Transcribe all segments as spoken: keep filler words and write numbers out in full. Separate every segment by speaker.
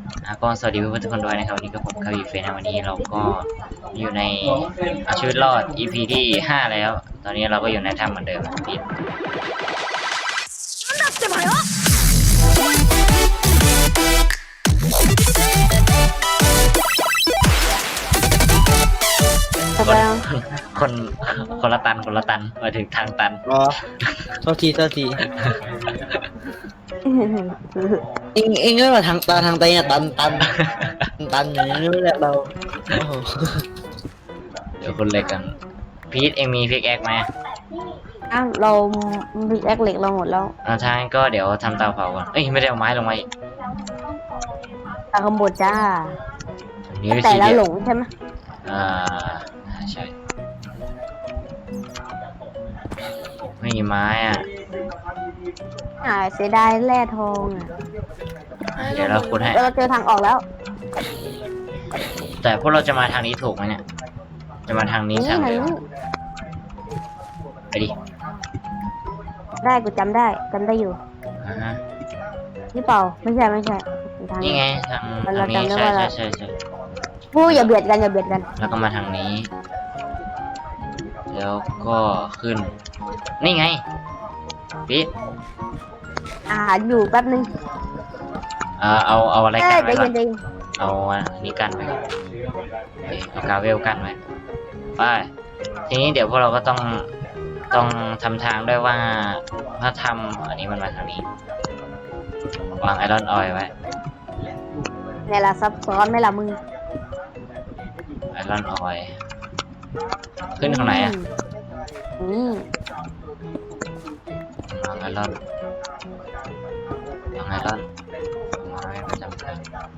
Speaker 1: อ่ะก็สวัสดีเพื่อนๆทุกคนด้วยนะครับวันนี้ก็ผมคาวิเฟนนะวันนี้เราก็อยู่ในเอาชีวิตรอด อี พี ที่ห้าแล้วตอนนี้เราก็อยู่ในถ้ำเหมือนเดิมปิดคนคนคนละตันคนละตันมาถึงทางตัน
Speaker 2: อ๋อโทษทีโทษทีเองเองก็มาทางตาทางไตเนี่ยตันตันตันอย่างนี้ไม่แหละเราโอ้โห
Speaker 1: เดี๋ยวคนเล็กกันพีทเองมีพิกแอคไหม
Speaker 3: อ้าวเราพิกแอคเหล็กเราหมดแล้ว
Speaker 1: อ่าทางก็เดี๋ยวทำเตาเผาก่อนเอ้ยไม่ได้เอาไม้ลงมาอีก
Speaker 3: ตาขบวนจ้า
Speaker 1: นี่วิ
Speaker 3: แต่
Speaker 1: ธี
Speaker 3: ละ
Speaker 1: เดียว
Speaker 3: หลงใช่ไหม
Speaker 1: อ่าใช่ไม่มีไม้อ่ะ
Speaker 3: อ่าเสียดายแร่ทองอ่ะ
Speaker 1: เดี๋ยวเราขุดให้
Speaker 3: เราเจอทางออกแล้ว
Speaker 1: แต่พวกเราจะมาทางนี้ถูกไหมเนี่ยจะมาทางนี้
Speaker 3: นี่
Speaker 1: ทาง
Speaker 3: ไหน
Speaker 1: เดิมไปดิ
Speaker 3: ได้กูจำได้จำได้อยู่
Speaker 1: อ่าฮะ
Speaker 3: นี่เปล่าไม่ใช่ไม่ใช่ทาง
Speaker 1: นี่ไงทางทางนี้ใช่ใช่ใช่ใช่
Speaker 3: พูดอย่าเบียดกันอย่าเบียดกัน
Speaker 1: แล้วก็มาทางนี้ แล้วก็ขึ้นนี่ไงปิด
Speaker 3: อาหารอยู่แป๊บนึง
Speaker 1: เอ่อเอาเอาอะไรกันไว้ก่อน
Speaker 3: เย็น
Speaker 1: เอาอันนี้กันไว้ก่อนเอากาเวลกันไว้ไปทีนี้เดี๋ยวพวกเราก็ต้องต้องทำทางด้วยว่าถ้าทำอันนี้มันมาทางนี้วางไอรอนออยล์ไว้
Speaker 3: เนี่ยละซับซ้อนไหมล่ะมึง
Speaker 1: ไอรอนออยล์ขึ้นตรงไหนอ่ะ
Speaker 3: นี่
Speaker 1: วางไอรอนวางไอรอนไม้ประจำการ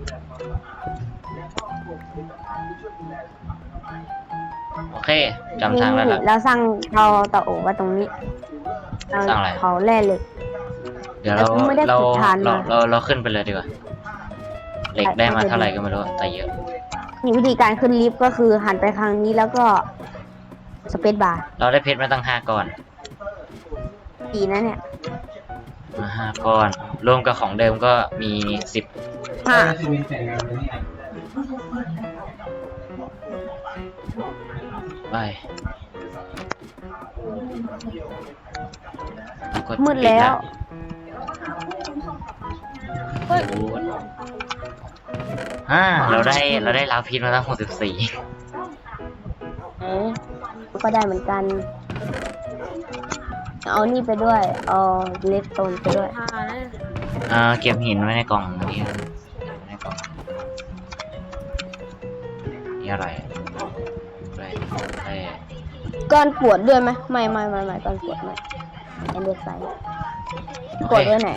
Speaker 1: โอเคจำทางแล้วล่ะ
Speaker 3: เราสร้างเราต่อโอไว้ตรงนี้
Speaker 1: สร้างอะไร
Speaker 3: เขาแร่เหล็ก
Speaker 1: เดี๋ยวเราเราเราเราเราขึ้นไปเลยดีกว่าเหล็กได้มาเท่าไหร่ก็ไม่รู้แต่เยอะ
Speaker 3: นี่วิธีการขึ้นลิฟต์ก็คือหันไปทางนี้แล้วก็สเปซบาร์
Speaker 1: เราได้เพชรมาตั้งห้าก้อน
Speaker 3: ดีนะเนี่ย
Speaker 1: มาห้าก้อนรวมกับของเดิมก็มีสิบ
Speaker 3: ห้า
Speaker 1: ไป
Speaker 3: มืดแล้ว
Speaker 1: เฮ้ยอ่าเราได้เราได้ลาพิษมาตั้งหกสิบสี่
Speaker 3: เอ๊ะก็ได้เหมือนกันเอานี่ไปด้วยเอาเลสโตนไปด้วย
Speaker 1: อ่าเก็บหินไว้ในกล่องนี้ในกล่องนี่อะไรอะไรอะไร
Speaker 3: ก้อนปวดด้วยไหมไม่ไม่ไม่ไม่ก้อนปวดไม่เอ็นเดอร์ไซด์ปวดไว้ไหน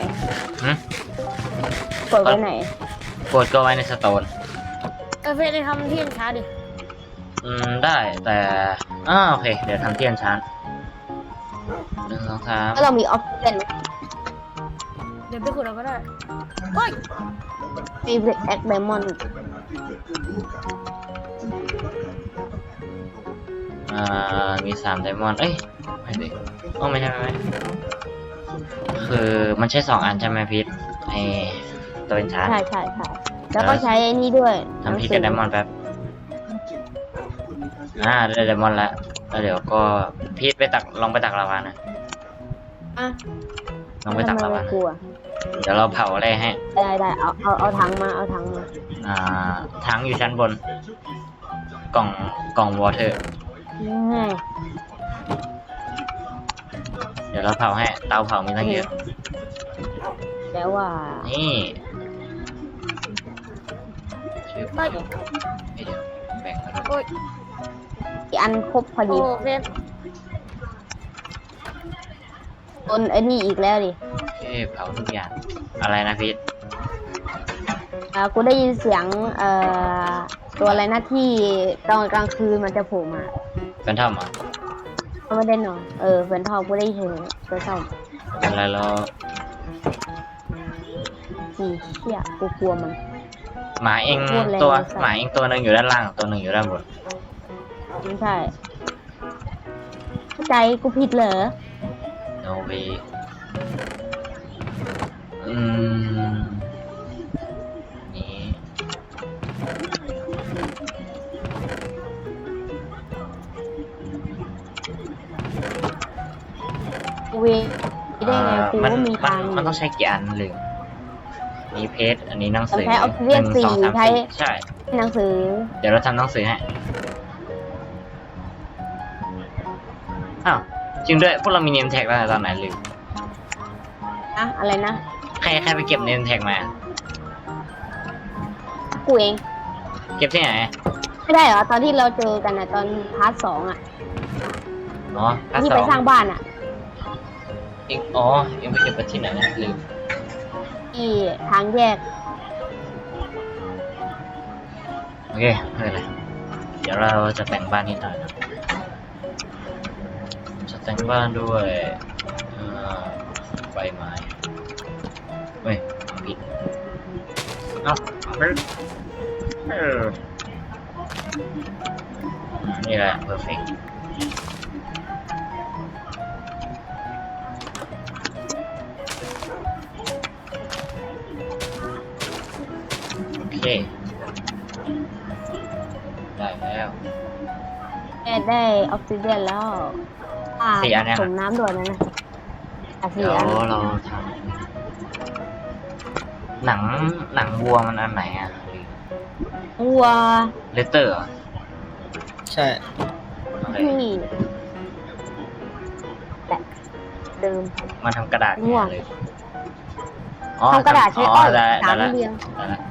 Speaker 3: ปวดไว้ไหน
Speaker 1: ปวดก็ไว้ในสโตน
Speaker 3: เออเฟซได้ทำที่ยันช้าดิ
Speaker 1: อืมได้แต่อ่าโอเคเดี๋ยวทำเทียนชั้นหนึ่งสองสาม
Speaker 3: แล้วเรามีออฟเฟนเดี๋ยวไปขุดเราก็ได้โอ้ยมีเบรกแอคไดมอนด์
Speaker 1: อ่ามีสามไดมอนด์เอ้ยไม่ดิโอ้ไม่ใช่ไม่คือมันใช้สองอันใช่ไหมพีทไอตัวเป็นชั้น
Speaker 3: ใช่ใช่ใช่แล้วก็ใช้ไอ้นี่ด้วย
Speaker 1: ทำพีทกับไดมอนด์แป๊บอ่าได้ไดมอนด์แล้วแล้วเดี๋ยวก็พีทไปตักลองไปตักลาวานะ
Speaker 3: อ่ะ
Speaker 1: ลองไปตักลาวาเดี๋ยวเราเผาอะไรให้
Speaker 3: ได้ได้เอาเอาเอาถังมาเอาถังมา
Speaker 1: อ่าถังอยู่ชั้นบนกล่องกล่องวอเตอร์เดี๋ยวเราเผาให้เตาเผามีตั้งเยอะ
Speaker 3: แล้วว่า
Speaker 1: นี่ไปเดี๋ยวแบ่งกันด้วย
Speaker 3: อีอันครบพอดีต้นไอ้นี่อีกแล้วดิ
Speaker 1: เอ๊ะเผาทุกอย่างอะไรนะพีท
Speaker 3: อ่ากูได้ยินเสียงเอ่อตัวอะไรนะที่ตอนกลางคืนมันจะโผล่มา
Speaker 1: เป็นทอมอ่ะ
Speaker 3: ไม่ได้นอนเออเป็นทอมกูได้ยินเป็นทอม
Speaker 1: เป็นอะไรแล้ว
Speaker 3: สี่เชี่ยกูกลัวมัน
Speaker 1: หมาเองตัวหมาเองตัวหนึ่งอยู่ด้านล่างตัวหนึ่งอยู่ด้านบน
Speaker 3: ไม่ใช่เข้าใจกูผิดเหรอ
Speaker 1: โนวีอืมนี่
Speaker 3: เวได้ไงกู
Speaker 1: มัน
Speaker 3: ก็มี
Speaker 1: มัน
Speaker 3: ทาง
Speaker 1: มันต้องใช้กี่อันหรือมีเพจอันนี้หนังสือ
Speaker 3: ใช้ออกซิเจน
Speaker 1: หนึ่งสอง
Speaker 3: สี่
Speaker 1: สาม
Speaker 3: ใช้
Speaker 1: สี่ใช่
Speaker 3: หนังสือ
Speaker 1: เดี๋ยวเราทำหนังสือให้อ้าวจริงด้วยพวกเรามีเนมแท็กแล้วตอนไหนลืม
Speaker 3: นะอะไรนะ
Speaker 1: ใครใครไปเก็บเนมแท็กมา
Speaker 3: กูเอง
Speaker 1: เก็บที่ไหน
Speaker 3: ไม่ได้เหรอตอนที่เราเจอกันอะตอนพาร์ทสองอะ
Speaker 1: อ๋อพาร์ท
Speaker 3: ที่
Speaker 1: สอ
Speaker 3: ไป
Speaker 1: ง
Speaker 3: สร้างบ้านอะ
Speaker 1: เองอ๋อเองไปเก็บไปที่ไหนนะลืม
Speaker 3: ที่ทางแยก
Speaker 1: โอเคไม่เป็นไรเดี๋ยวเราจะแต่งบ้านนิดหน่อยนะจะแต่งบ้านด้วยเอ่อใบไม้เฮ้ยผิดเอ้าเฮ้ยเออนี่แหละ perfect โอเคได้แล้ว
Speaker 3: แอดได้ออกซิเจนแล้วอ่า
Speaker 1: สี่อันเนี่ย
Speaker 3: ผสมน้ำด่วนนะนะอ่ะสี่
Speaker 1: เดี๋ยว
Speaker 3: อัน
Speaker 1: เราทำหนังหนังวัวมันอันไหนอ่ะ
Speaker 3: วัว
Speaker 1: เลเตอร์
Speaker 2: ใช่
Speaker 1: โอเค
Speaker 3: ที่แต่เดิม
Speaker 1: มาทำกระดาษ
Speaker 3: ง่วง
Speaker 1: เลย
Speaker 3: ทำกระดาษใช้
Speaker 1: อ๋
Speaker 3: อ้
Speaker 1: อ
Speaker 3: อย
Speaker 1: ได้
Speaker 3: สาม
Speaker 1: ได้
Speaker 3: เรียง
Speaker 1: ได้แล้ว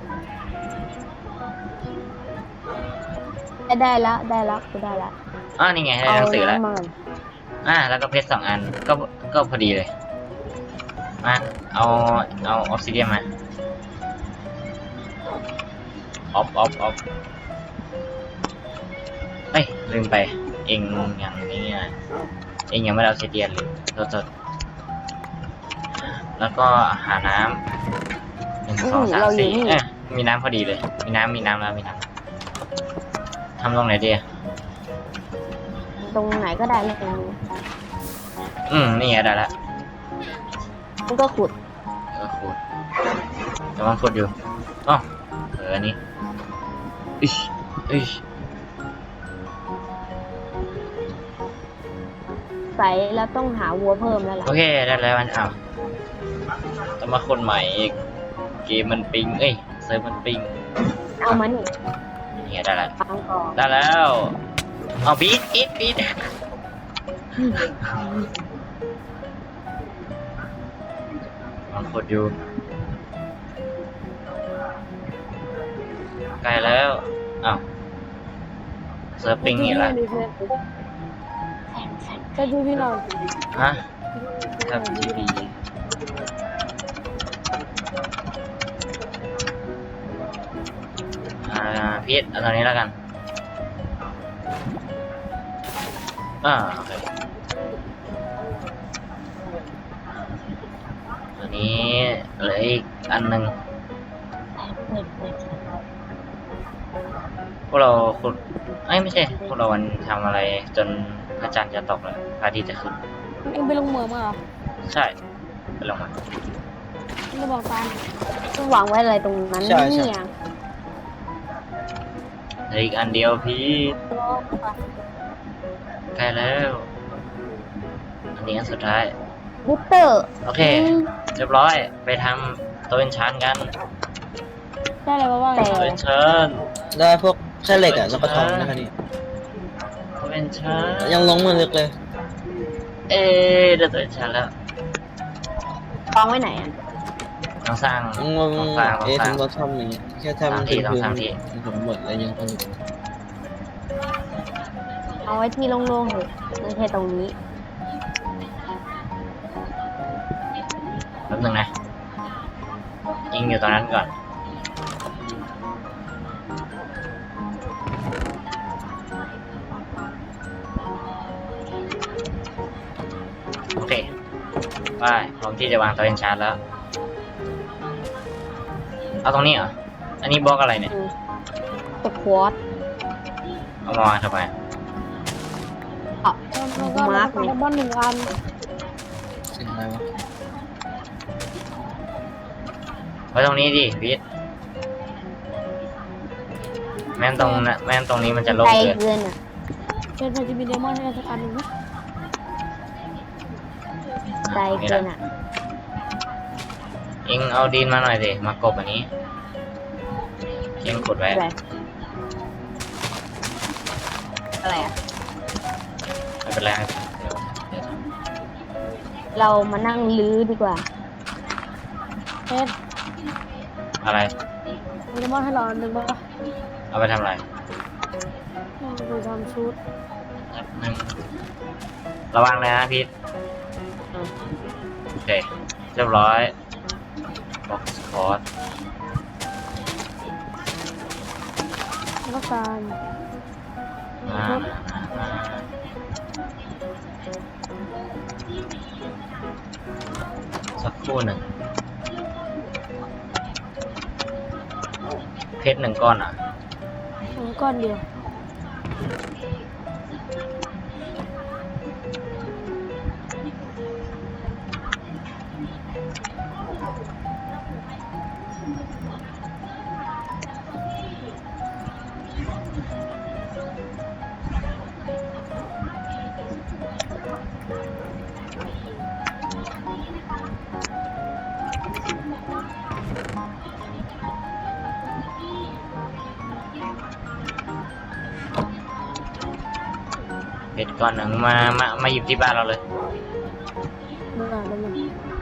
Speaker 3: ได้ได้แล้วได้แล้วกูได้แล้ว
Speaker 1: อ๋อนี่ไงได้หนังสือแล้ว
Speaker 3: น้ำมัน
Speaker 1: อ่าแล้วก็เพชรสองอันก็ก็พอดีเลยมาเอาเอาออกซิเดียนมาออฟออฟออฟเอ้ยลืมไปเองอย่างนี้ไงเองยังไม่ได้ออกซิเดียนเลยโทษโทษแล้วก็หาน้ำหนึ่งสองสามสี่เอ้ยมีน้ำพอดีเลย มีน้ำมีน้ำแล้วมีน้ำทำตรงไหนดี
Speaker 3: ตรงไหนก็ได้เลย
Speaker 1: อืมนี่ไงได้แล้ว
Speaker 3: มันก็ขุด
Speaker 1: เออขุดกำลังขุดอยู่อ๋อเอออันนี้อิชอิช
Speaker 3: ใส่แล้วต้องหาวัวเพิ่มแล้วล่ะ
Speaker 1: โอเคได้แล้วมันอ้าวต้องมาคนใหม่อีกเกมมันปิงเอ้ยเซิร์ฟมันปิง
Speaker 3: เอามานี่
Speaker 1: นี่ไงได้แล้ว
Speaker 3: ฟังก่อน
Speaker 1: ได้แล้วเอาบีดบีดบีดมันขุดอยู่ใกล้แล้วอ้าวเซิร์ฟปิงอีกแล้ว
Speaker 3: จะดูพี่น้อง
Speaker 1: ฮะครับทีวีอ่าพีทเอาตอนนี้แล้วกันอ่าโอเคตัวนี้เหลืออีกอันหนึ่งพวกเราขุดเอ้ยไม่ใช่พวกเราวันทำอะไรจนพระจันทร์จะตกแล้วพระอาทิตย์จะขึ้น
Speaker 3: เอ็งไปลงเหมืองมาเหรอ
Speaker 1: ใช่ไปลงมา
Speaker 3: ไม่บอกตาต้องวางไว้อะไรตรงนั้น
Speaker 2: ใช่ใช่
Speaker 3: เนี่ย
Speaker 1: เหลืออีกอันเดียวพีทใกล้แล้ว อันนี้อันสุดท้าย
Speaker 3: บุตเตอร์
Speaker 1: โอเค เรียบร้อย ไปทำตัวเป็นชั้นกัน
Speaker 3: ได้อะไรบ้างแต่
Speaker 1: ตัวเป็นชั้น
Speaker 2: ได้พวกแค่เหล็กอ่ะแล้วก็ทองนะครับนี่
Speaker 1: ตัวเป็นชั้น
Speaker 2: ยังลงมือลึกเลย
Speaker 1: เอ๊ะได้ตัวเป็นชั้นแล้ว
Speaker 3: กองไว้ไหนอ่ะ
Speaker 1: ต้องสร้าง
Speaker 2: งง
Speaker 1: ต้องสร้างต้อ
Speaker 2: เอ๊ะ
Speaker 1: งสร้าง
Speaker 2: ทำรถทำอย่างเงี้ยแค่ทำ
Speaker 1: สร้างที่ต้องสร้างที่
Speaker 2: ผมหมดแล้วยังผลิต
Speaker 3: เอาไว้ที่โล่งๆเถอะไม่ใช่ตรงนี้
Speaker 1: แป๊บนึงนะ ยิงอยู่ตรงนั้นก่อน โอเคไปพร้อมที่จะวางตัวเป็นชั้นแล้ว เอาตรงนี้เหรอ อันนี้บล็อกอะไรเนี่ย
Speaker 3: ตะควอต
Speaker 1: เอามาวางทำไม
Speaker 3: อ่ะมาร์กไงบ้านหนึ่งอัน
Speaker 2: เสียงอะไรวะ
Speaker 1: ไว้ตรงนี้ดิพีทแม่นตรงนะแม่นตรงนี้มันจะโล่ง
Speaker 3: ไกล
Speaker 1: เกิน
Speaker 3: เกินอ่ะ
Speaker 4: เป็นมันจะมีเดมอนให้เราสักอันหนึ่งนะ
Speaker 3: ไกลเกินอ่ะ
Speaker 1: เอ็งเอาดินมาหน่อยดิมากบอันนี้เอ็งกดไว้
Speaker 3: อะไรอะไรอ่ะ
Speaker 1: ไม่เป็นไรเดี๋ยวเดี๋ยวท
Speaker 3: เรามานั่งลื้อดีกว่าเฮ้ย
Speaker 1: ำอะไร
Speaker 3: มันจะมอบให้เราหนึ่งป่ะ
Speaker 1: เอาไปทำอะไร
Speaker 3: มันจะทำชุด
Speaker 1: แป๊บนึงระวังเลยนะพีทโอเคเรียบร้อยบ็อกซ์คอร์ด
Speaker 3: แล้วการ
Speaker 1: มามามาสักครู่หนึ่งเพชรหนึ่งก้อนอ่ะ
Speaker 3: สองก้อนเดียว
Speaker 1: เพชรก้อนหนึ่งมา มา มาหยิบที่บ้านเราเลย
Speaker 3: เมื่อแล้วมัน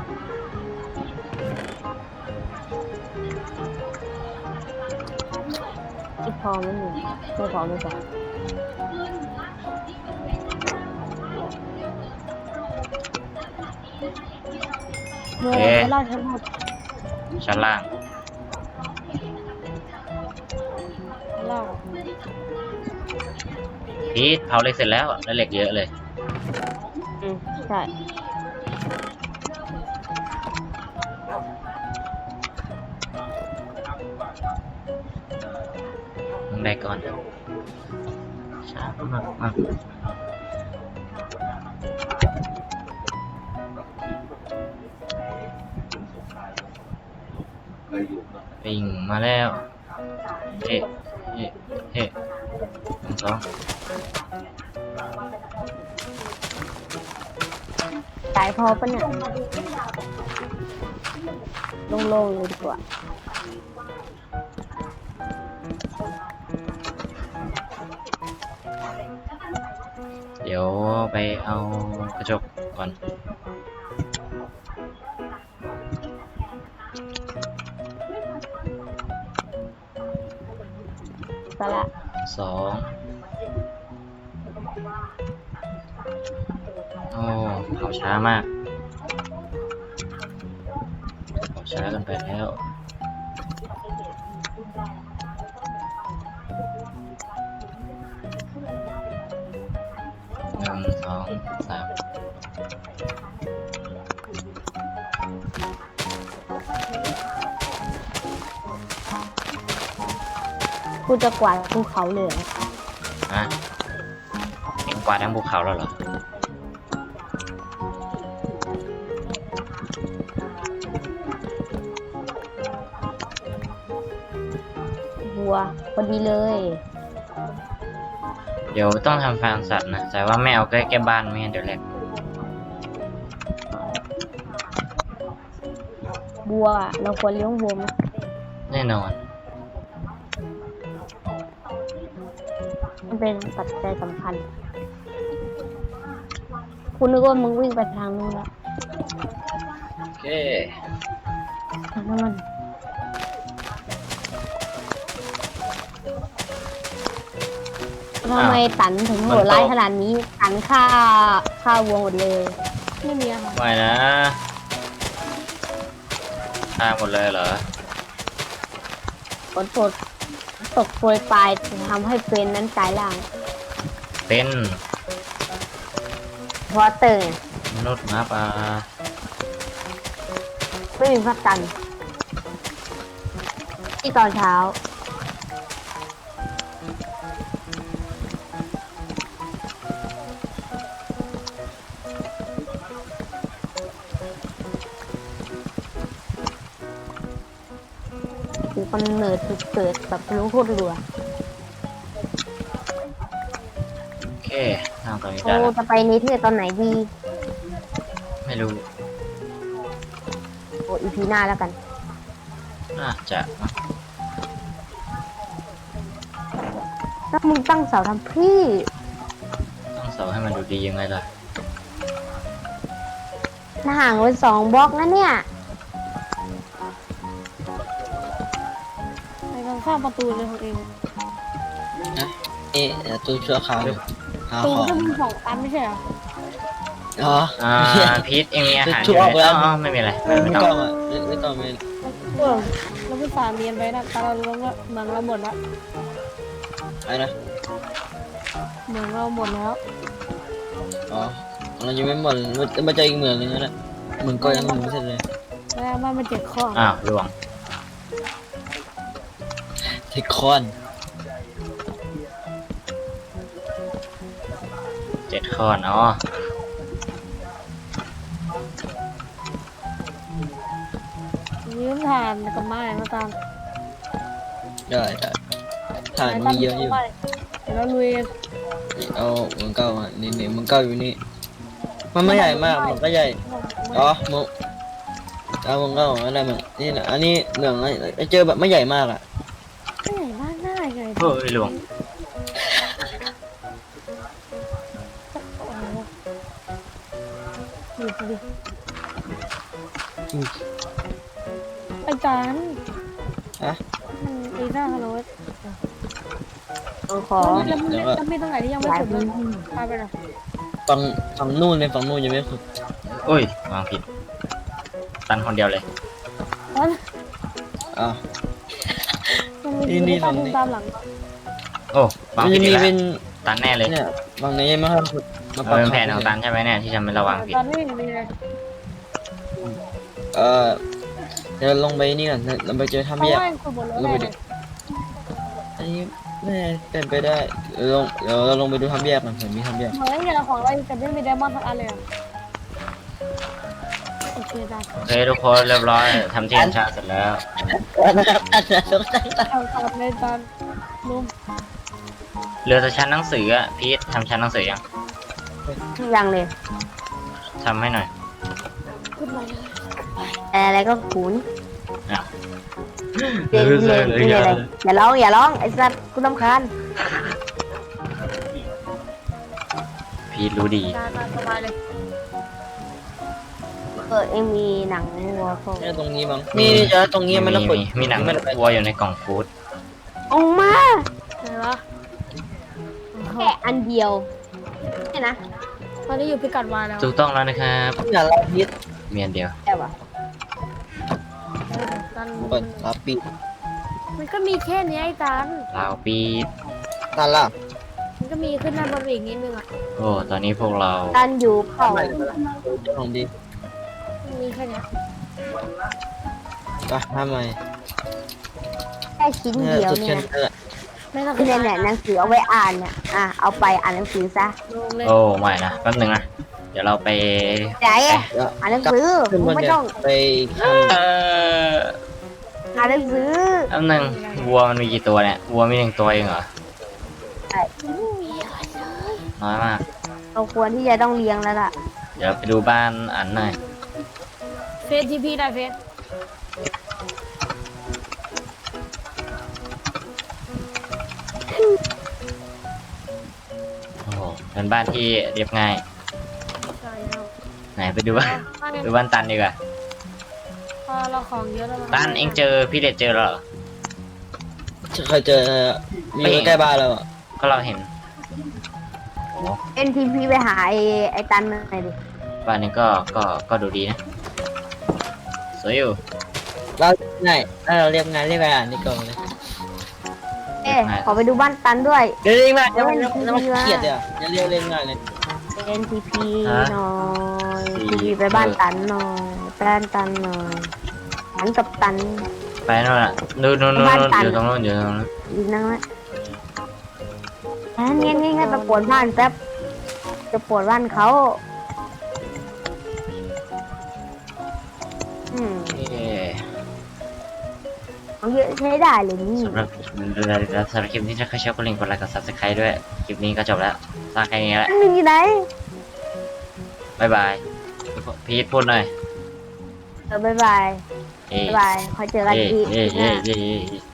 Speaker 3: ที่พอไม่มีไม่พอไม่พอเมื่อ
Speaker 1: เอ๊ะ
Speaker 3: เราทั้งหมด
Speaker 1: ชั้นล่าง
Speaker 3: เรา
Speaker 1: พีทเผาเหล็กเสร็จแล้วได้เหล็กเยอะเลย
Speaker 3: อืมใช่
Speaker 1: มึงได้ก่อนเดี๋ยวช้ามากมากปิงมาแล้ว เฮ้เฮ้เฮ้หนึ่งสอง
Speaker 3: ตายพอปะเนี่ยโล่งๆเลยดีกว่า
Speaker 1: เดี๋ยวไปเอากระจกก่อน
Speaker 3: ไปละ
Speaker 1: สองโอ้เผาช้ามากเผาช้ากันไปแล้วหนึ่งสองสาม
Speaker 3: กูจะกวาดภูเขาเลยเหรอ
Speaker 1: ฮะเอ็งกวาดทั้งภูเขาแล้วเหรอ
Speaker 3: บัวพอดีเลย
Speaker 1: เดี๋ยวต้องทำฟาร์มสัตว์นะ แต่ว่าไม่เอาใกล้ๆบ้านไม่งั้นเดี๋ยวแหลก
Speaker 3: บัวเราควรเลี้ยงวัวไหม
Speaker 1: แน่นอน
Speaker 3: มันเป็นปัจจัยสำคัญ คุณนึกว่ามึงวิ่งไปทางนู้นแล้ว
Speaker 1: โอเค
Speaker 3: ทางนั้นมันทำไมตันถึงโหดร้ายขนาดนี้ตันฆ่าฆ่าวัวหมดเลยไม่มีอะค่ะ
Speaker 1: ไม่นะฆ่าหมดเลยเหรอ
Speaker 3: ฝนตกตกโปรยปลายทำให้เฟรนนั้นกลายร่าง
Speaker 1: เป็น
Speaker 3: เพราะเติง
Speaker 1: มนุษย์หมาป่า
Speaker 3: ไม่มีพระจันทร์ที่ตอนเช้าคือกำเนิดจุดเกิดแบบรู้โคตรรัว
Speaker 1: โอเคทางตอนนี้
Speaker 3: โอ้
Speaker 1: ได้แล้ว
Speaker 3: จะไปนิเทศตอนไหนดี
Speaker 1: ไม่รู้
Speaker 3: อ้อีพีหน้าแล้วกัน
Speaker 1: น่าจะ
Speaker 3: ถ้ามึงตั้งเสาทำพี่
Speaker 1: ต้องเสาให้มันดูดียังไงล่ะ
Speaker 3: ห่างไปสองบล็อกนะเนี่ยไปทางข้างประตูเลยของเอง
Speaker 2: เอ๊ะเดี๋ยวตู้ชั่วคราวหา
Speaker 3: ตู
Speaker 2: ของ
Speaker 3: ก็มีสองตันไม่ใช่เหรอ
Speaker 2: อ๋อ
Speaker 1: อ่าพีทเองมีอาหารอ
Speaker 2: ชั่
Speaker 1: ยู่
Speaker 2: ว
Speaker 1: ไห
Speaker 2: ไป
Speaker 1: ม
Speaker 2: แล้ว
Speaker 1: อ๋อไม่มีอะไร
Speaker 2: ไม่
Speaker 1: ไม่
Speaker 2: ไม่
Speaker 1: ต้
Speaker 2: ต้
Speaker 1: อ
Speaker 2: อง งอ่ะไม่ไม่ต้องไม่
Speaker 3: เออเราไปฝ่าเมียนไปนะแต่เราลงแล้วเหมืองเราหมดแล้ว
Speaker 2: อะไรนะ
Speaker 3: เหมืองเราหมดแล้ว
Speaker 2: อ๋อเรายังไม่หมดมันมันจะอีกเหมืองนึงนะเหมืองก็ยังไม่เสร็จเลย
Speaker 3: แล้วบ้านมันเจ็ดข้อ
Speaker 1: อ้าวล่วง
Speaker 2: เทคคอน
Speaker 1: เจ็ดข้อนอ๋อ
Speaker 3: ยืมถ่านกับไม้มาตาม
Speaker 2: ได้ได้ถ่านมีเยอะอยู่
Speaker 3: เดี๋ยวเราลุย
Speaker 2: เอาเหมืองเก่าอ่ะนี่นี่เหมืองเก่าอยู่นี่มันไม่ใหญ่มากมันก็ใหญ่อ๋อเหมืองเอาเหมืองเก่าอะไรเหมืองนี่นะอันนี้เหมืองไอ้เจอแบบไม่ใหญ่มากอ่ะ
Speaker 3: ไม่ใหญ่มากง่ายเลย
Speaker 1: เฮ้ยล่วง
Speaker 3: ดูดิอาจารย์
Speaker 2: ฮะ
Speaker 3: มันตีหน้าฮัลโหลขอแล้วมันจะมีตรงไหนที่ยังไม่สุดเลยพาไปหน่อย
Speaker 2: ฝั่งฝั่งนู่นเลยฝั่งนู่นยังไม่ขุด
Speaker 1: โอ้ยวางผิด ตันคนเดียวเลย
Speaker 2: อ่ะ
Speaker 3: มันมีตามตามหลัง
Speaker 1: โอ้วาง
Speaker 2: มัน
Speaker 1: ผิ
Speaker 2: จะ
Speaker 1: ด
Speaker 2: มี
Speaker 1: อีกแล้ว
Speaker 2: เป็น
Speaker 1: ตันแน่เลย
Speaker 2: เนี่ยฝั่งนี้ยังไม่ค่อยขุดมา
Speaker 1: มันเป็นแผนของตันใช่ไหมเนี่ยที่ทำให้เราวางผิด
Speaker 3: ตอนนี้มีอะไร
Speaker 2: เออเดี๋ยวลงไปนี่ก่อนเราไปเจอ
Speaker 3: เพ
Speaker 2: ถ้ำ
Speaker 3: ราะ
Speaker 2: แยก
Speaker 3: ว่าคนบนรถ
Speaker 2: ลงไป
Speaker 3: เล
Speaker 2: ดิ
Speaker 3: ย
Speaker 2: อันนี้แม่เป็นไปได้เดี๋ยวลงเดี๋ยวเราลงไปดูถ้ำแยกก่อนเห็นมีถ้ำแยก
Speaker 3: เหมือนอย่างของเราแต่ไม่มีไดมอนด์สักอันเลยโอเคได้
Speaker 1: โอเคทุกคนเรียบร้อยทำที่อัญชาเสร็จแล้ว
Speaker 2: นะครับอาจารย์สงสัย
Speaker 3: ทำตามในตอนนุ่ม
Speaker 1: เหลือแต่ชั้นหนังสืออะพีททำชั้นหนังสือยัง
Speaker 3: ยังเลย
Speaker 1: ทำให้หน่อย
Speaker 3: อะไรก็ขุน
Speaker 1: อ้าว
Speaker 3: เรียนเรียนเรียนอะไรอย่าร้องอย่าร้องไอ้สัตว์กูรำคาญ
Speaker 1: พีทรู้ดี
Speaker 3: สบายเลยเออเอ็มมีหนังวัวเขา
Speaker 2: เนี่ยตรงนี้มั้งนี่เจอตรงนี้มันระเบิด
Speaker 1: มีมีหนัง
Speaker 2: มันระเบิด
Speaker 1: วัวอยู่ในกล่องฟู้ด
Speaker 3: ออกมาอะไรวะแค่อันเดียวนี่นะตอนนี้อยู่พิกัดวายแล้ว
Speaker 1: ถูกต้องแล้วนะครับ
Speaker 2: อย่าลาพิษ
Speaker 1: มีอันเดียว
Speaker 3: แค่วะ
Speaker 2: เปิดลาปิด
Speaker 3: มันก็มีแค่นี้ไอ้ตัน
Speaker 1: ลาวปีด
Speaker 2: ตาล่ะ
Speaker 3: มันก็มีขึ้นด้านบนอีกนิดนึงอ่ะ
Speaker 1: โอ้ตอนนี้พวกเรา
Speaker 3: ตันอยู่เขา
Speaker 2: เจ้าของดี
Speaker 3: มีแค่นี้
Speaker 2: ไปทำไม
Speaker 3: แค่ชิ้น
Speaker 2: เนี่ย
Speaker 3: เดียว
Speaker 2: จุด
Speaker 3: เนี่
Speaker 2: เช่
Speaker 3: ย
Speaker 2: นเออ
Speaker 3: ไม่ต้องเนี่ยเนี่ยหนังสือเอาไว้อ่านเนี่ยอ่ะเอาไปอ่านหนังสือซะ
Speaker 1: โอ้ไม่นะแป๊บนึงนะเดี๋ยวเราไป
Speaker 3: ไหน
Speaker 2: เดี๋ยว
Speaker 3: อ่านหนังสือ
Speaker 2: ขึ้นบน
Speaker 3: ไม่
Speaker 2: เนี่ย
Speaker 3: ต้อง
Speaker 2: ไปท
Speaker 1: เออ
Speaker 3: อ่านหนังสือ
Speaker 1: แป๊บนึงวัวมันมีกี่ตัวเนี่ยวัวมีหนึ่งตัวเองเหรอ
Speaker 3: ใช่
Speaker 1: น้อยมาก
Speaker 3: เราควรที่จะต้องเลี้ยงแล้วล่ะ
Speaker 1: เดี๋ยวไปดูบ้านอันหน่อย
Speaker 3: เฟซทีพีได้เฟซ
Speaker 1: โอ้โหเป็นบ้านที่เรียบง่าย
Speaker 3: ใช่แล้ว
Speaker 1: ไหนไปดูบ้านดูบ้านตันดีกว่า
Speaker 3: พอเราของเยอะแล้ว
Speaker 1: ตันเองเจอพี่เด็ดเจอแล้วเหรอ
Speaker 2: ำเคยเจอมีใกล้บ้านเราอ่ะ
Speaker 1: ก็เราเห็น
Speaker 3: เอ็นทีพีไปหาไอ้ไอ้ตันหน่อยดิ
Speaker 1: บ้านนี้ก็ก็ก็ดูดีนะสวยอยู่
Speaker 2: เราง่ายถ้าเราเรียกงานเรียกงานนี่ก่อนเลย
Speaker 3: เอ๊ะขอไปดูบ้านตันด้วย
Speaker 2: เดี๋ยวเรียกงานเดี๋ยวมันเดี๋ยวมันเกลียดเลยอ่ะอย่าเรียกเรียกงานเลย
Speaker 3: เอ็นทีพีหน่อยทีพีไปบ้านตันหน่อยบ้านตันหน่อยตันกับตัน
Speaker 1: ไปนู่นน่ะนู่นนู่นนู่น
Speaker 3: บ้าน
Speaker 1: นู่น
Speaker 3: ตัน
Speaker 1: อยู่ตรงนู้นอยู่ตรงนู้น
Speaker 3: ดีนั่งละเงี้ยเงี้ยเงี้ยไปปวดบ้านแป๊บจะปวดบ้านเขาอืม
Speaker 1: เอ๊ะ
Speaker 3: ของเยอะใช้ได้เลยนี่
Speaker 1: สำหรับสำหรับคลิปนี้ถ้าใครชอบก็ลิงก์กดไลค์กด ซับสไครบ์ ด้วยคลิปนี้ก็จบแล้วสร้างแค่นี้แหละ
Speaker 3: อันหนึ่งอยู่ไหน
Speaker 1: บ๊ายบายพีทพูดหน่อย
Speaker 3: เออบ๊ายบาย
Speaker 1: เอ๊ะ
Speaker 3: บ๊ายบายคอยเจอกัน
Speaker 1: เอ๊ะ
Speaker 3: อีก
Speaker 1: เอ๊ะ
Speaker 3: หน้า
Speaker 1: เอ๊ะเอ๊ะ